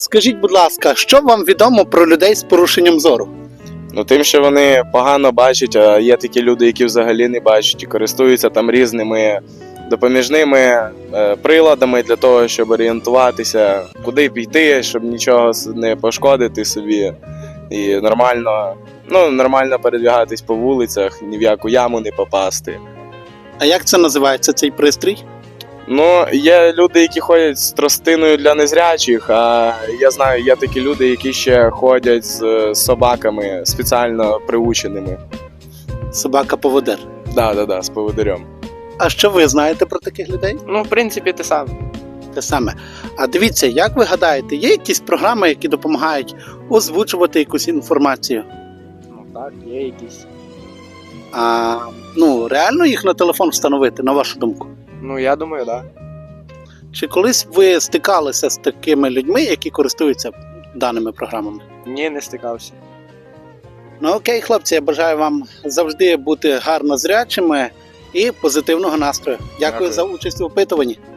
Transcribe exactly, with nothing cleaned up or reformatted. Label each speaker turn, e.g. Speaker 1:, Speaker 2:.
Speaker 1: Скажіть, будь ласка, що вам відомо про людей з порушенням зору?
Speaker 2: Ну, тим, що вони погано бачать, а є такі люди, які взагалі не бачать і користуються там різними допоміжними е, приладами для того, щоб орієнтуватися, куди піти, щоб нічого не пошкодити собі і нормально, ну, нормально передвігатись по вулицях, ні в яку яму не попасти.
Speaker 1: А як це називається, цей пристрій?
Speaker 2: Ну, є люди, які ходять з тростиною для незрячих, а я знаю, є такі люди, які ще ходять з собаками спеціально приученими.
Speaker 1: Собака-поводир.
Speaker 2: Да, да, да, з поводирем.
Speaker 1: А що ви знаєте про таких людей?
Speaker 3: Ну, в принципі, те саме.
Speaker 1: Те саме. А дивіться, як ви гадаєте, є якісь програми, які допомагають озвучувати якусь інформацію?
Speaker 3: Ну так, є якісь.
Speaker 1: А, ну, реально їх на телефон встановити, на вашу думку?
Speaker 3: Ну, я думаю, так.
Speaker 1: Чи колись ви стикалися з такими людьми, які користуються даними програмами?
Speaker 3: Да. Ні, не стикався.
Speaker 1: Ну окей, хлопці, я бажаю вам завжди бути гарно зрячими і позитивного настрою. Дякую,
Speaker 2: Дякую.
Speaker 1: за участь у опитуванні.